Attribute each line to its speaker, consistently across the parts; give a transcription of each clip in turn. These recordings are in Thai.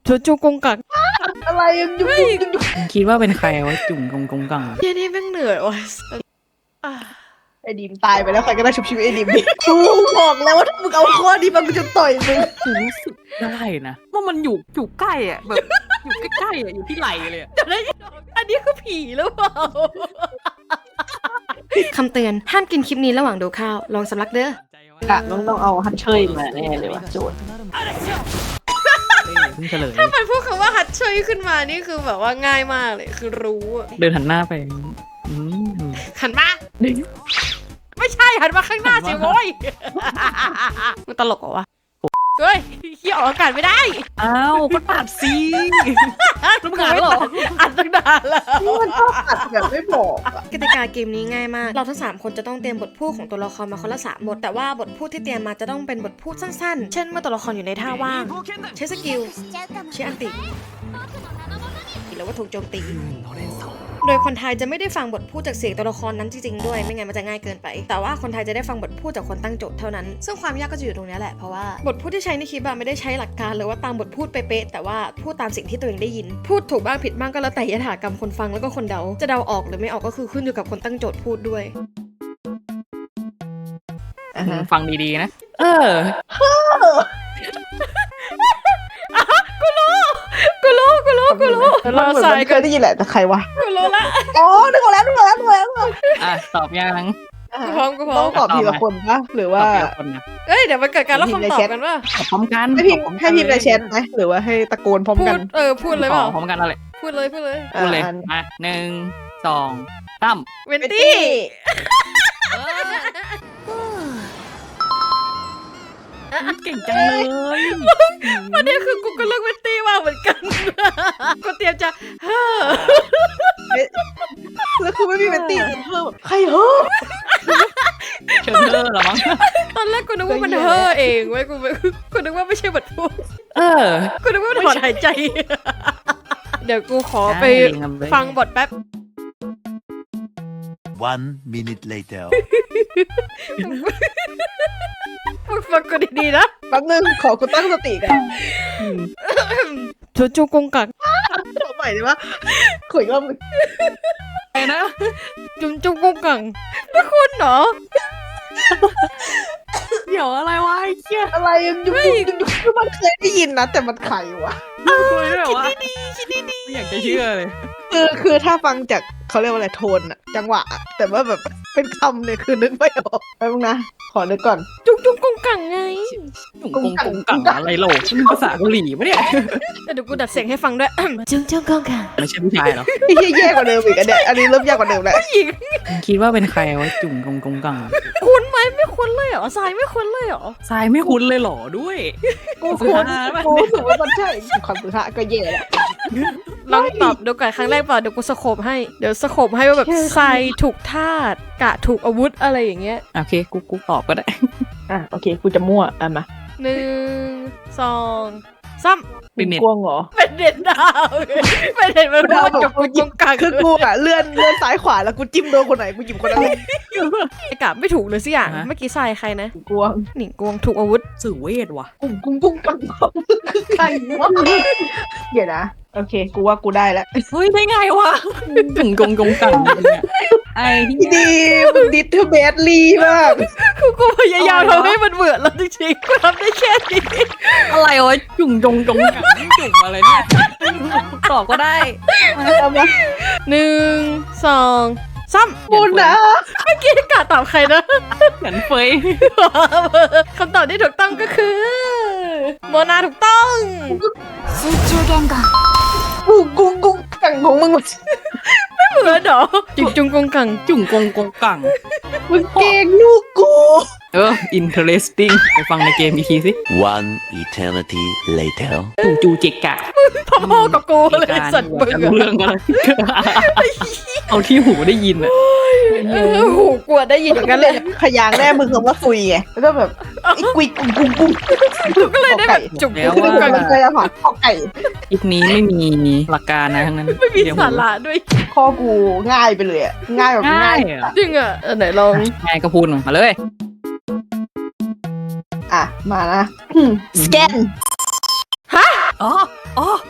Speaker 1: จุกงกัง
Speaker 2: อะไรยังยุ่ง
Speaker 3: คิดว่าเป็นใครวะจุ่มกงกัง
Speaker 1: เยันนี่แม่งเหนื่อยว่ะ
Speaker 2: ไอ้ดิมตายไปแล้วใครก็ได้ชุบชีวิตไอ้ดิมดิกูบอกแล้วว่าถ้ามึงเอาข้อนี้มากูจะต่อยมึง
Speaker 3: กูรู้สึกได้นะว่ามันอยู่ใกล้อ่ะแบบอยู่ใกล้ๆอ่ะอยู่ที่ไหล่เลยอะ
Speaker 1: เดี๋ยวนะอันนี้คือผีหรือเปล่าคำเตือนห้ามกินคลิปนี้ระหว่างดูข้าวลองสำลักเด้อ
Speaker 2: ค่ะต้องเอาฮัตเชยมาแน่เลยว่ะโจทย์
Speaker 3: เพิ่งเฉลย
Speaker 1: ถ้ามันพูดคำว่าฮัตเชยขึ้นมานี่คือแบบว่าง่ายมากเลยคือรู้อะ
Speaker 3: เดินหันหน้าไปอืม
Speaker 1: หันมาไม่ใช่หันมาข้างหน้าสิโว้ยมันตลกเหรอวะเฮ้ยขี้ออกอากาศไม่ได้
Speaker 3: อ้าวก็ตัดสิรำคาญเหรอ
Speaker 1: อัดตั้งนานแล้ว
Speaker 2: นี่มันชอบตัดแบบไม่บอกอะ
Speaker 1: กติกาเกมนี้ง่ายมาก เราทั้ง3คนจะต้องเตรียมบทพูดของตัวละครมาคนละ3บทแต่ว่าบทพูดที่เตรียมมาจะต้องเป็นบทพูดสั้นๆ เช่นเมื่อตัวละครอยู่ในท่าว่าง ใช้สกิลใช้อันติหรือว่าถูกโจมตี โดยคนไทยจะไม่ได้ฟังบทพูดจากเสียงตัวละครนั้นจริงๆด้วยไม่งั้นมันจะง่ายเกินไปแต่ว่าคนไทยจะได้ฟังบทพูดจากคนตั้งโจทย์เท่านั้นซึ่งความยากก็จะอยู่ตรงนี้แหละเพราะว่าบทพูดที่ใช้ในคลิปไม่ได้ใช้หลักการหรือว่าตามบทพูดเป๊ะๆแต่ว่าพูดตามสิ่งที่ตัวเองได้ยินพูดถูกบ้างผิดบ้างก็แล้วแต่ยถากรรมคนฟังแล้วก็คนเดาจะเดาออกหรือไม่ออกก็คือขึ้นอยู่กับคนตั้งโจทย์พูดด้วย
Speaker 3: ฟังดีๆนะ
Speaker 1: กูรู้เราใส่
Speaker 2: เคยได้ยินแหละแต่ใครวะ
Speaker 1: กูรู้ละ
Speaker 2: อ๋อนึกออกแล้ว
Speaker 3: อ่ะตอบยัง
Speaker 1: กูพร้อม
Speaker 2: ต้องตอบทีละคนปะหรือ
Speaker 3: ต
Speaker 2: ว่า
Speaker 3: อบทีละคนนะ
Speaker 1: เอ้ยเดี๋ยวมันเกิดการรับคำตอบกันว่า
Speaker 3: ตอบพร้อมกัน
Speaker 2: ให้พิมพ์ในแชทไหมหรือว่าให้ตะโกนพร้อม
Speaker 1: พู
Speaker 2: กั
Speaker 1: ด
Speaker 2: น
Speaker 1: พูดเลยเปล่า
Speaker 3: พร้อมกันอะไร
Speaker 1: พูดเลย
Speaker 3: พูดเลยมา1 2 3
Speaker 1: เวนตี้
Speaker 3: เก่งจังเลย
Speaker 1: ประเด็นคือกูก็เลือกเวนตี้มากเหมือนกันกูเตรียมจะเฮ้อ
Speaker 2: แล้วคือไม่มีเวนตี้เพิ่มใครเฮ้อ
Speaker 3: เชิญเลอร์เหรอมั้ง
Speaker 1: ตอนแรกกูนึกว่ามันเฮ้อเองเว้ยกูนึกว่าไม่ใช่บทพูดกูนึกว่ามันถอนหายใจ เดี๋ยวกูขอไปฟังบทแป๊บ
Speaker 4: 1 minute later.
Speaker 1: ฟังกูดีๆนะ
Speaker 2: แป๊บนึงขอกูตั้งสติกัน
Speaker 1: จุกงกัง
Speaker 2: ขอใหม่ได้ปะขออีกรอบนึง
Speaker 3: ไอ้นะ
Speaker 1: จุกงกังไม่คุณเหรอ
Speaker 3: เดี๋ยวอะไรวะไอ้เหี้ย
Speaker 2: อะไรยังยุ่งคือมันเคยได้ยินนะแต่มันใครวะ
Speaker 3: คุยด้วยวะไม่อยากจะเชื่อเลย
Speaker 2: คือถ้าฟังจากเขาเรียกว่าอะไรโทนอะจังหวะอะแต่ว่าแบบเป็นคำเนี่ยคือนึกไม่ออกแป๊บนึงนะขอนึกก่อน
Speaker 1: จุกงกังไง
Speaker 3: กงกังอะไรโหลนี่ภาษาเกาหลีปะเนี่ย
Speaker 1: เดี๋ยวกูดัดเสียงให้ฟังด้วย จุกงกัง
Speaker 3: ไม่ใช่ผู้ชายเหรอ
Speaker 2: ไอ้เหี้ยแย่กว่าเดิมอีกอันเนี้ยอันนี้เริ่มยากกว่าเดิมแล้ว
Speaker 1: หญิง
Speaker 3: คิดว่าเป็นใครวะจุ่มกงกัง
Speaker 1: คุณไหมไม่คุ้นเลยเหรอทรายไม่คุ้นเลยเหรอ
Speaker 3: ทรายไม่คุ้นเลยเหรอด้วย
Speaker 2: กูรู้สึกว่ามันใช่ความสุภาพก็แย่แล้ว
Speaker 1: ลองตอบดูก่อนครั้งแรกเปล่าเดี๋ยวกูสโคปให้เดี๋ยวสโคปให้ว่าแบบทรายถูกธาตุกะถูกอาวุธอะไรอย่างเงี้ย
Speaker 3: โอเคกูตอบก็ได้
Speaker 2: โอเคกูจะมั่วมา
Speaker 1: 1 2 3
Speaker 3: เป็นเน็ต
Speaker 2: กวงเหรอ
Speaker 1: เป็นเด็ดดาวเป็นเด็ดมันพูดจุกงกัง
Speaker 2: คือกูอะเลื่อนซ้ายขวาแล้วกูจิ้มโดนคนไหนกูหยิบคนนั้น
Speaker 1: ไอ้กะไม่ถูกเลยสิอย่างเมื่อกี้ทรายใครนะ
Speaker 2: กวง
Speaker 1: หนิงกวงถูกอาวุธ
Speaker 3: สื่อเวทว่ะ
Speaker 2: กุ้งกังคือใครวะเดี๋ยวนะโอเคกูว่ากูได้แล้ว
Speaker 3: เฮ้ยได้ไงวะจุ่มกงกังเนี่ยไอ้ที่
Speaker 2: ดีมึงดิสเทอร์เบสลีมาก
Speaker 1: กูพยายามทำให้มันเหมือนแล้วจริงๆกูทำได้แค่นี้
Speaker 3: อะไรวะจุ่มกงกังจุ่มอะไรเนี่ยตอบก็ได้
Speaker 1: 1 2 3
Speaker 2: บุญนะ
Speaker 1: เมื่อกี้กะตอบใครนะ
Speaker 3: เหมือนเฟย
Speaker 1: คำตอบที่ถูกต้องก็คือโมนาถูกต้อง
Speaker 2: กุ้งกังของมึง
Speaker 1: เหมือนเหรอจุงกงกัง
Speaker 3: จุ่มกงกัง
Speaker 2: มึงเก่งลูกกู
Speaker 3: interesting ไปฟังในเกมอีกทีสิ
Speaker 4: 1 eternity later.
Speaker 3: จูเจกะ
Speaker 1: พ่อกับกูเลยสัตว์มึง
Speaker 3: รู้เรื่องอะไรเอาที่หูได้ยินอ่ะ
Speaker 1: หูกลัวได้ยินอย่างนั้นเลย
Speaker 2: ขยางแรกมึงคำว่าซุยไงแล้วก็แบบอีกุยกุ้ง
Speaker 1: ก็เลยได้แบบจุก
Speaker 3: แล้ว
Speaker 1: กงกัง
Speaker 2: เคยอาหารข้อไก่
Speaker 3: คลิปนี้ไม่มีหลักการนะทั้งนั้น
Speaker 1: ไม่มีสาระด้วย
Speaker 2: ข้อกูง่ายไปเลยอะง่ายแบบ
Speaker 3: ง่า
Speaker 2: ง่าย ย
Speaker 3: เหรอ
Speaker 1: จริงอ่ะไหนลอง
Speaker 3: ง่ายก็พูดมาเลย
Speaker 2: มานะสแกน
Speaker 3: อ๋อ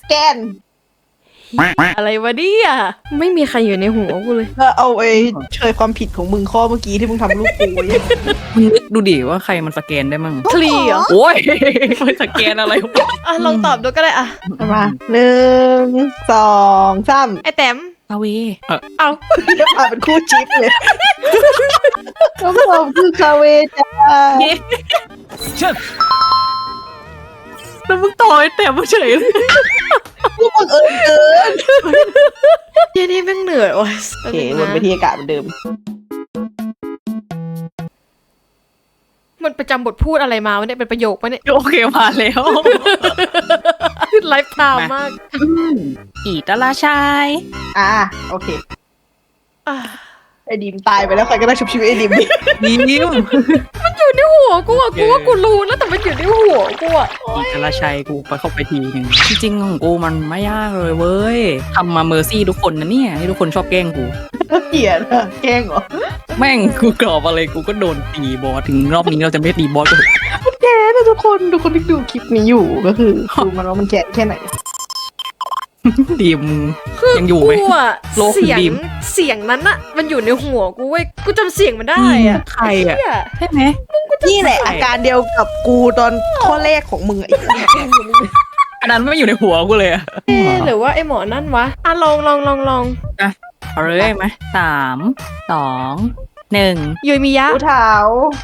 Speaker 2: แกน
Speaker 1: อะไรวะเนี่ยไม่มีใครอยู่ในหัวกูเลย
Speaker 2: ก็เอาไอ้เชยความผิดของมึงข้อเมื่อกี้ที่มึงทำลูกกูไว้
Speaker 3: มึงนึกดูดิว่าใครมันสแกนได้มั่ง
Speaker 1: คลีเหรอ
Speaker 3: โอ้ยมันสแกนอะไรวะ
Speaker 1: อ่ะลองตอบดูก็ได้อ่ะ
Speaker 2: มา1 2 3
Speaker 1: ไอแต้ม
Speaker 3: อาเว
Speaker 1: เอา
Speaker 2: จะมาเป็นคู่จิ๊บเลยคำตอบคือคาเวจ้า
Speaker 3: แล้วมึงต่อยแต่มาเฉยเลย
Speaker 2: ผู้บังเอิญเกิน
Speaker 1: เหี้ยนี่แม่งเหนื่อยว่ะ
Speaker 2: โอเควนไปที่อากาศเหมือนเดิม
Speaker 1: มันประจำบทพูดอะไรมาวะเนี่ยเป็นประโยคปะเนี่ย
Speaker 3: โอเคมาแล้ว
Speaker 1: ไลฟ์ไทม์มาก
Speaker 3: อีตาลาชาย
Speaker 2: โอเค
Speaker 1: อ่ะ
Speaker 2: ไอ้ดิมตายไปแล้วใครก็ได้ชุบชีวิตไอ้ดิมดิ
Speaker 3: ยิ้ม
Speaker 1: อยู่ในหัวกูอ่ะกูว่ากูรู้แล้วแต่มันอยู่ในหัวกูอ่ะ
Speaker 3: อีตาลาชัยกูไปเข้าไปทีนึงจริงๆของกูมันไม่ยากเลยเว้ยทำมาเมอร์ซี่ทุกคนนะเนี่ยที่ทุกคนชอบแกล้งกู
Speaker 2: เกลียดอะแกล้งเหรอ
Speaker 3: แม่งกูกรอบอะไรกูก็โดนตีบอสถึงรอบนี้เราจะไม่ตีบอสก็เถอะ
Speaker 2: แกนะทุกคนที่ดูคลิปนี้อยู่ก็คือดูมันว่ามันแกะแค่ไหน
Speaker 3: ดีมยังอยู่ไหม
Speaker 1: กูอ่ะ
Speaker 3: โลก
Speaker 1: เสียง
Speaker 3: ดิม
Speaker 1: เสียงนั้นอ่ะมันอยู่ในหัวกูเว้ยกูจำเสียงมันได้อ่ะ
Speaker 3: ใครอ่ะ
Speaker 1: เหี้ย
Speaker 3: ใช่ไหม
Speaker 2: นี่แหละอาการเดียวกับกูตอนข้อแรกของมึงอะไอ้
Speaker 3: อันนั้นไม่อยู่ในหัวกูเลยอะ
Speaker 1: เอ๊ะหรือว่าไอหมอนั่นวะอ่ะลอง
Speaker 3: เอาเลยไหม3 2 1
Speaker 1: ยุยมิยะ
Speaker 2: กูเท้า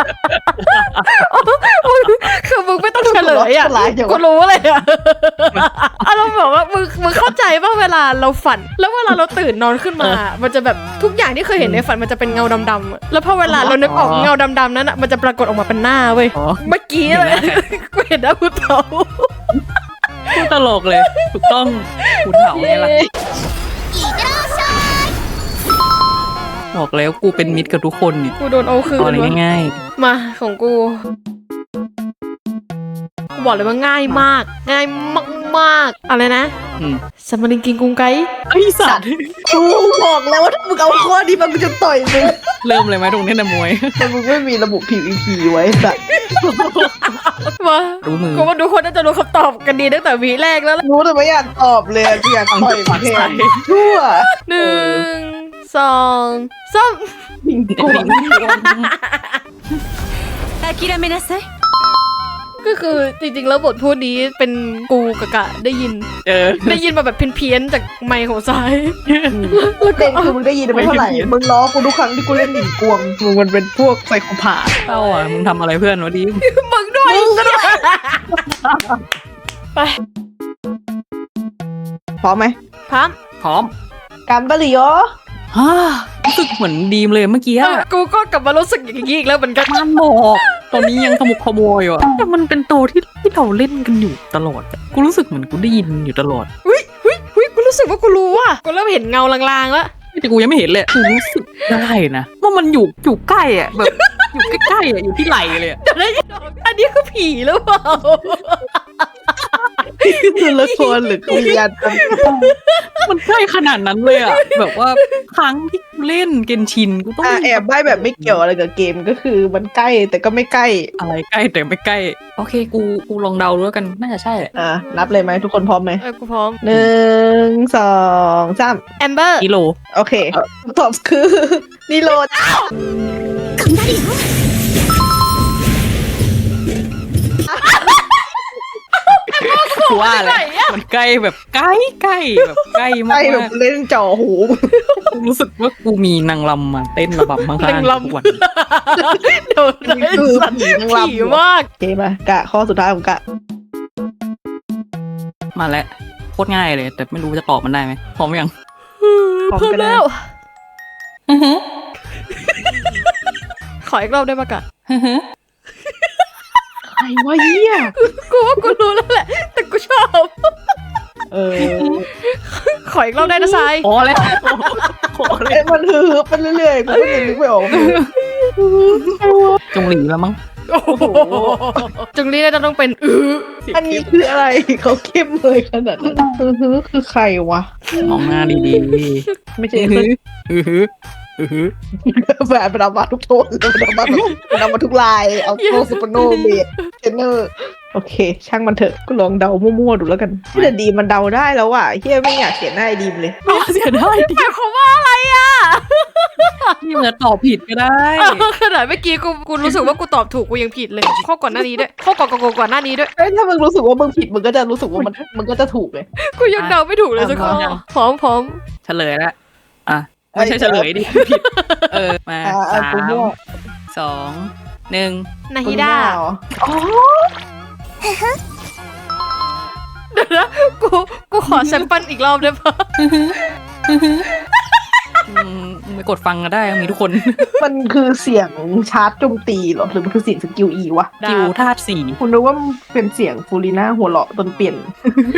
Speaker 1: คือมึงไม่ต้องเฉลยอ่ะ
Speaker 2: ฉลาดอย่างวะ
Speaker 1: กูรู้เลยอ่ะอ่ะเราบอกว่ามึงเข้าใจป่ะเวลาเราฝัน แล้วเวลาเราตื่นนอนขึ้นมา มันจะแบบทุกอย่างที่เคยเห็นในฝันมันจะเป็นเงาดำๆอะแล้วพอเวลาเรานึกออกเงาดำๆนั้นอ่ะมันจะปรากฏออกมาเป็นหน้าเว้ย
Speaker 3: อ๋อ
Speaker 1: เมื่อกี้เลยกูเห็นหน้ากูเทา
Speaker 3: พูดตลกเลย ถูกต้องกูเถาไงล่ะบอกแล้วกูเป็นมิตรกับทุกคนเนี่ย
Speaker 1: กูโดนเอาคืน
Speaker 3: เอาอะไร
Speaker 1: วะ
Speaker 3: ง่าย
Speaker 1: มาของกูบอกเลยว่าง่ายมาก ง่ายมากๆอะไรนะ
Speaker 3: ๆอืม
Speaker 1: สมริงกิงกุงไก
Speaker 3: ไอ้สัตว์
Speaker 2: กูบอกแล้วว่าถ้ามึงเอาข้อนี้มากูจะต่อยมึง
Speaker 3: เริ่มเลยไหมตรงนี้นะมวย
Speaker 2: แต่มึงไม่มีระบุ PVP ไว้สัตว์
Speaker 1: มา
Speaker 3: รู้มือ
Speaker 1: กูว่าทุกคนน่าจะรู้คำตอบกันดีตั้งแต่วีแรกแล้วล่ะ
Speaker 2: รู้แต่ไม่อยากตอบเลยกูอยากต่อยมึงแทนชั่ว
Speaker 1: 1 2 3
Speaker 2: มิงโกง
Speaker 1: ก็คือจริงๆแล้วบทพูดนี้เป็นกูกับกะได้ยิน
Speaker 3: เออ
Speaker 1: ได้ยินมาแบบเพี้ยนๆจากไมค์ของซ้าย
Speaker 2: เด่นคือมึงได้ยินไม่เท่าไหร่ มึงล้อกูทุกครั้งที่กูเล่นหนิงกวงมึงมันเป็นพวกไซโคพาธ
Speaker 3: เต้าอ่ะมึงทำอะไรเพื่อนวะดิม
Speaker 1: มึงด้วยไป
Speaker 2: พร้อมไหม
Speaker 1: พร้อม
Speaker 3: พร้อม
Speaker 2: กันบาริโอ
Speaker 3: ฮ่ารู้สึกเหมือนดีมเลยเมื่อกี้อะ
Speaker 1: กูก็กลับมารู้สึกอย่างนี้อีกแล้วเหมือนกัน
Speaker 3: มันบอกตอนนี้ยังขมุกขโมยอยู่อะแต่มันเป็นตัวที่เราเล่นกันอยู่ตลอดอะกูรู้สึกเหมือนกูได้ยินอยู่ตลอด
Speaker 1: หุ้ยกูรู้สึกว่ากูรู้ว่ะกูเริ่มเห็นเงาลางๆแล้ว
Speaker 3: แต่กูยังไม่เห็นเลยกูรู้สึกได้นะว่ามันอยู่ใกล้อะแบบอยู่ใกล้ๆอะอยู่ที่ไหล่เลยอะ
Speaker 1: เดี๋ยวนะอันนี้คือผีหรือเปล่า
Speaker 2: คือละครหรือวิญญาณกัน
Speaker 3: มันใกล้ขนาดนั้นเลยอะแบบว่าครั้งที่กูเล่นเกนชินกูต้อง
Speaker 2: แอบใบ้แบบไม่เกี่ยวอะไรกับเกมก็คือมันใกล้แต่ก็ไม่ใกล้
Speaker 3: อะไรใกล้แต่ไม่ใกล้โอเคกูลองเดาดูแล้วกันน่าจะใช่แหละ
Speaker 2: นับเลยไหมทุกคนพร้อมไหม
Speaker 1: กูพร้อม
Speaker 2: 1 2 3
Speaker 1: แอมเบอร์
Speaker 3: กิโล
Speaker 2: โอเคตอบคือนิโรธ
Speaker 3: กูว่าแหละมันใกล้แบบใกล้แบบใกล้
Speaker 2: ใก
Speaker 3: มา
Speaker 2: ล้แบบ
Speaker 3: ก
Speaker 2: เล่นจ่อหู
Speaker 3: ๆกูรู้สึกว่ากูมีนางรำมาเต้นระบำข้าง
Speaker 1: นาง
Speaker 3: ๆ
Speaker 1: รำ
Speaker 3: ทุกวัน
Speaker 1: เดี๋ยวนะ
Speaker 2: คือผีนางรำ
Speaker 1: ผีมาก
Speaker 2: โอเคป่ะกะข้อสุดท้ายของกะ
Speaker 3: มาแล้วโคตรง่ายเลย แต่ไม่รู้จะตอบมันได้ไหมพร้อมยัง
Speaker 1: พร้อมแล้ว ขออีกรอบได้ปะกะ
Speaker 2: ใครวะเหี้ย
Speaker 1: กูว่ากูรู้แล้วแหละ แต่กูชอบ ขออีกรอบได้นะทราย
Speaker 3: พอแล้วพอเลย
Speaker 2: มันฮือไปเรื่อยๆกูก็ยังนึกไม่ออก
Speaker 3: จงหลีแล้วมั้ง
Speaker 1: โอ้โหจึงนี้น่าจะต้องเป็น
Speaker 2: อันนี้คืออะไรเขาเข้มเลยขนาดนั้นคือใครวะ
Speaker 3: มองหน้าดี
Speaker 2: ไม่
Speaker 3: ๆ
Speaker 2: ใช่
Speaker 3: อื้อหือ
Speaker 2: แบบมันเอามาทุกโทนเลยมันเอามาทุกลายเอาโนซูเปอร์โนเบสเทนเนอร์โอเค ช่างมันเถอะก็ลองเดามั่วๆดูแล้วกันแต่ดีมันเดาได้แล้วอ่ะเฮียไม่อยากเขียนหน้าไอ้ดีมเลย
Speaker 3: เสียได้ดิ
Speaker 1: หมายความว่าอะไรอ่ะ
Speaker 3: ที่มันตอบผิดก็ได้
Speaker 1: ขนาดเมื่อกี้กูรู้สึกว่ากูตอบถูกกูยังผิดเลยข้อก่อนหน้านี้ด้วยข้อก่อนหน้านี้ด้วย
Speaker 2: เอ้ยถ้ามึงรู้สึกว่ามึงผิดมึงก็จะรู้สึกว่ามันก็จะถูกเลย
Speaker 1: กูยังเดาไม่ถูกเลยสักข้อพร้อม
Speaker 3: เฉลยแล้วอ่ะไม่ใช่เฉลยดิผิดมา
Speaker 2: อ่า
Speaker 3: 3
Speaker 2: กูมั่ว
Speaker 3: 2 1
Speaker 1: นาฮิดา
Speaker 2: เหรออ๋อ
Speaker 1: เดี๋ยวนะกูขอแซมเปิลอีกรอบได้ปะ
Speaker 3: ไม่กดฟังก็ได้มีทุกคน
Speaker 2: มันคือเสียงชาร์จโจมตีเหรอหรือมันคือเสียงสกิลอีวะ
Speaker 3: กิวธาตุสี
Speaker 2: คุณรู้ว่ามันเป็นเสียงฟูริน่าหัวเราะตอนเปลี่ยน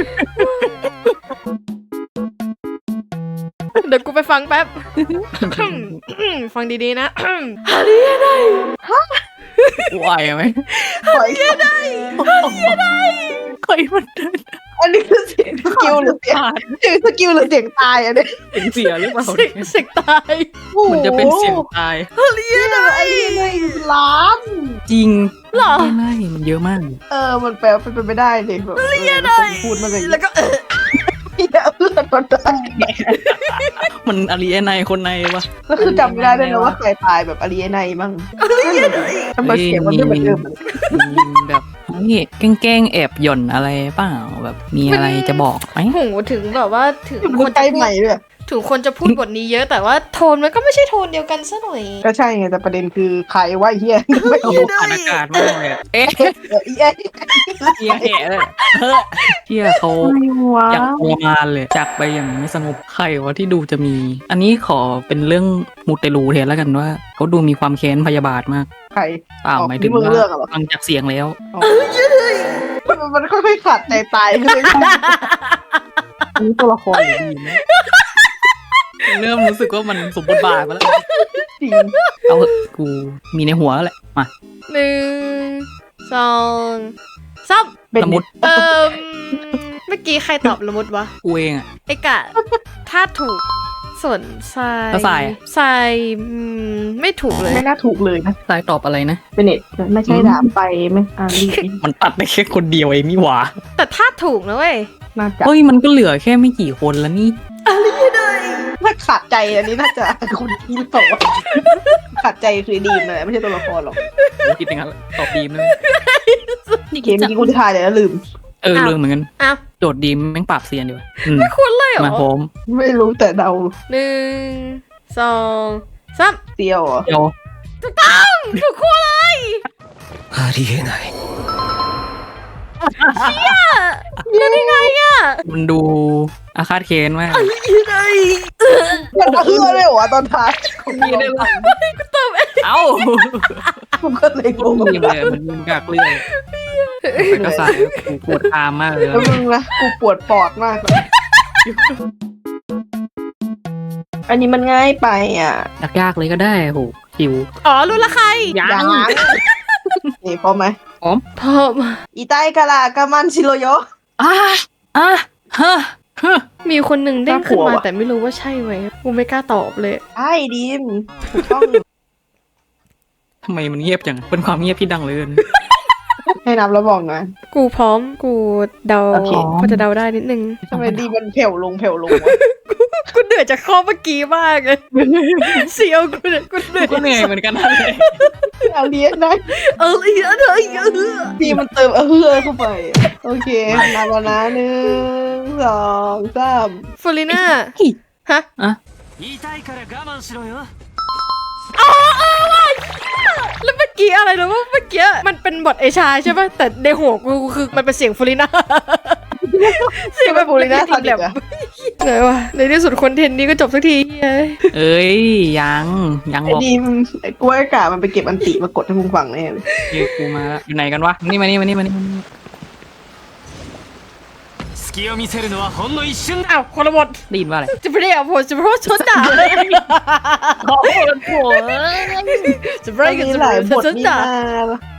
Speaker 1: เดี๋ยวกูไปฟังแป๊บ ฟังดีๆนะฮาริได้
Speaker 3: ไหวไหม
Speaker 2: ปล่อยได้
Speaker 3: ใครมันเดิน
Speaker 2: อันนี้คือเสียงสกิลหรือเสียง
Speaker 3: ผ่าน
Speaker 2: สกิลหรือเสียงตายอันนี้
Speaker 3: เสียหรือเปล่า
Speaker 1: เสิกตาย
Speaker 3: มันจะเป็นเสียงตาย
Speaker 2: ไอ้ล้าน
Speaker 3: จริง
Speaker 1: เหรอ
Speaker 3: ไม่มันเยอะมาก
Speaker 2: มันแปลเป็นไปได้เลยแบบพูดมาเลย
Speaker 1: แล้วก็
Speaker 2: เพื่อนมันได้
Speaker 3: มันอารีเอไนคนในวะ
Speaker 2: แล้วคือจำไม่ได้ด้วยนะว่าใครตายแบบอารีเอไนมั่งทำไมเสียงมันไม่เหมือนเดิม
Speaker 3: มีแบบนี่แกล้งแอบหย่อนอะไรเปล่าแบบมีอะไรจะบอกไหม
Speaker 1: โหถึงแบบว่าถึง
Speaker 2: มันใกล้ใหม่ด้วย
Speaker 1: ถึงคนจะพูดบทนี้เยอะแต่ว่าโทนมันก็ไม่ใช่โทนเดียวกันซะหน่อย
Speaker 2: ก็ใช่ไงแต่ประเด็นคือใครว่าเฮียไม่
Speaker 3: โอ้โหผ่านอากาศมากเลยอะเอ๊ะ
Speaker 2: เอ๊ะ
Speaker 3: เฮียแห่เลยเฮียเขาอยากทรมานเลยจากไปอย่างไม่สงบใครวะที่ดูจะมี อันนี้ขอเป็นเรื่องมูเตลูแทนแล้วกันว่าเขาดูมีความแค้นพยาบาทมาก
Speaker 2: ใคร
Speaker 3: เปล่าหมายถึง
Speaker 2: มึง
Speaker 3: ว่า
Speaker 2: เลือกเหรอ
Speaker 3: ฟังจากเสียงแล้ว
Speaker 2: มันค่อยๆขาดใจตายขึ้นนี่ตัวละครดีไหม
Speaker 3: เริ่มรู้สึกว่ามันสมบทบาทมาแล้ว
Speaker 2: จริง
Speaker 3: เอาเถอะกูมีในหัวแล้วแหละมา
Speaker 1: 1 2 3
Speaker 2: เป็น
Speaker 3: ละมุด
Speaker 1: เมื่อกี้ใครตอบละมุดวะ
Speaker 3: กูเองอะ
Speaker 1: ไอกะถ้าถูกส่วนทราย
Speaker 3: แล้วทรายอะ
Speaker 1: ทรายไม่ถูกเลย
Speaker 2: ไม่น่าถูกเลยนะ
Speaker 3: สายตอบอะไรนะ
Speaker 2: เป็นเน็ตไม่ใช่ดาบไปไม่รี
Speaker 3: มันตัดได้แค่คนเดียวเองนี่หว่า
Speaker 1: แต่ถ้าถูกนะเว้ย
Speaker 2: น่าจะ
Speaker 3: เฮ้ยมันก็เหลือแค่ไม่กี่คนแล้วนี่
Speaker 2: ถ้าขาดใจอันนี้น่าจะคุณที่ตอบขาดใจคือดีมเลยไม่ใช่ตัวละครหรอก
Speaker 3: ผมคิดอย่างนั้นแหละตอบดีมเลย
Speaker 2: เกมเมื่อกี้กูทายเลยแล้วลืม
Speaker 3: ลืมเหมือนกัน
Speaker 1: อ้าว
Speaker 3: โจทย์ดีมแม่งปราบเซียนดีกว่า
Speaker 1: คุณเลยเหรอ
Speaker 3: มาพร้อม
Speaker 2: ไม่รู้แต่เดา
Speaker 1: 1 2 3
Speaker 2: เตียวเหรอ
Speaker 3: เดี๋ยว
Speaker 1: ถูกคู่เลย
Speaker 4: ありえない
Speaker 1: ยังไงอะ
Speaker 3: มันดูอาฆาตเค้นมาก
Speaker 1: ยังไง
Speaker 2: มันเอื้อเลยเหรอตอนท้าย
Speaker 3: มีได้ละเอ้า
Speaker 2: ผมก็เลยงง
Speaker 3: มีเลยมันยิงกากเลื่อยแต่ก็สายกูปวดตามมากเลย
Speaker 2: แล้วมึงนะกูปวดปอดมากอันนี้มันง่ายไปอ่ะ
Speaker 3: ยากๆเลยก็ได้โหหิว
Speaker 1: อ๋อรู้ละใคร
Speaker 2: อย่างนี่พร้อมไหม
Speaker 1: พร้อม
Speaker 2: อีไตกะลากามันชิโรโย
Speaker 3: อ่ะฮะ
Speaker 1: มีคนหนึ่งเด้งขึ้นมา
Speaker 2: น่ากลัวว่ะ
Speaker 1: แต่ไม่รู้ว่าใช่ไหมกูไม่กล้าตอบเลย
Speaker 2: ใช่ดีมถูกต้อง
Speaker 3: ทำไมมันเงียบจังเป็นความเงียบที่ดังเลย
Speaker 2: ให้นับแล้วบอกนะ
Speaker 1: กูพร้อมกูเดา
Speaker 2: โอเค
Speaker 1: พอจะเดาได้นิดนึง
Speaker 2: ทำไมดีมันแผ่วลงวะ
Speaker 1: กูเหนื่อยจากข้อเมื่อกี้มากเลยเสียวกูเนี่ยกูเหนื่อย
Speaker 3: ก็เหนื่อยเหมือนกันนะเลย
Speaker 2: เอาเลี้ยงได้
Speaker 1: อีกอะไรอีก
Speaker 2: ดีมันเติมเฮือเข้าไป โอเคนับแล้วนะ1 2 3
Speaker 1: ฟูลิน่าฮะ
Speaker 5: 痛いから我慢しろよ
Speaker 1: แล้วเมื่อกี้อะไรนะว่าเมื่อกี้มันเป็นบทเอชาใช่ป่ะแต่ในหัวกูคือมันเป็นเสียงฟูลิน่า
Speaker 2: เสียงแบบฟูริน่าทันอีกอะ
Speaker 1: เลยวะในที่สุดคอนเทนต์นี้ก็จบสักทีเฮ้ย
Speaker 3: เอ้ยยังหรอก
Speaker 2: ดีมกล้วยกามันไปเก็บอันติมากดให้มึงฟังแน่เลย
Speaker 3: เฮ้ยกูมาแล้วอยู่ไหนกันวะนี่มานี่
Speaker 5: 隙を見せるのはほんの一瞬だ
Speaker 1: อ้าวคนละบท
Speaker 3: ได้ยินว่าอะไร
Speaker 1: จะไม่ได้เอาผมจะเพราะชนด่าจะไม่
Speaker 2: มัน
Speaker 1: กัน
Speaker 2: มี
Speaker 1: จะ
Speaker 2: หลายบท
Speaker 1: ชน
Speaker 2: นี่
Speaker 1: ด่า
Speaker 2: นะ